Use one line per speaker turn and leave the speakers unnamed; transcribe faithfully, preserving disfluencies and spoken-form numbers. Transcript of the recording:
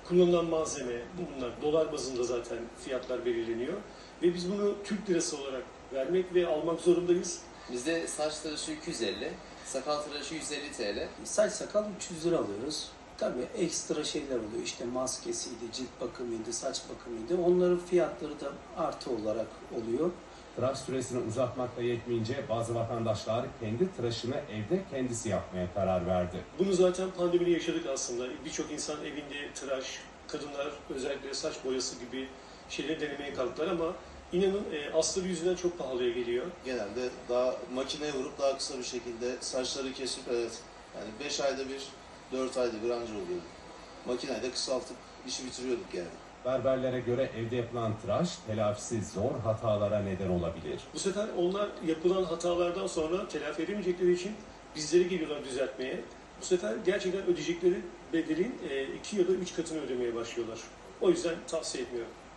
kullanılan malzeme, bunlar dolar bazında zaten fiyatlar belirleniyor. Ve biz bunu Türk lirası olarak vermek ve almak zorundayız.
Bizde saç tıraşı iki yüz elli, sakal tıraşı yüz elli T L.
Saç sakal üç yüz lira alıyoruz. Tabii ekstra şeyler oluyor. İşte maskesiydi, cilt bakımıydı, saç bakımıydı. Onların fiyatları da artı olarak oluyor.
Tıraş süresini uzatmakla yetmeyince bazı vatandaşlar kendi tıraşını evde kendisi yapmaya karar verdi.
Bunu zaten pandemide yaşadık aslında. Birçok insan evinde tıraş, kadınlar özellikle saç boyası gibi şeyleri denemeye kalktılar ama inanın e, astarı yüzünden çok pahalıya geliyor.
Genelde daha makineye vurup daha kısa bir şekilde saçları kesip evet yani beş ayda bir, dört ayda bir anca oluyordu. Makineyle kısaltıp işi bitiriyorduk yani.
Berberlere göre evde yapılan tıraş telafisi zor hatalara neden olabilir.
Bu sefer onlar yapılan hatalardan sonra telafi edemeyecekleri için bizlere geliyorlar düzeltmeye. Bu sefer gerçekten ödeyecekleri bedelin e, iki ya da üç katını ödemeye başlıyorlar. O yüzden tavsiye etmiyorum.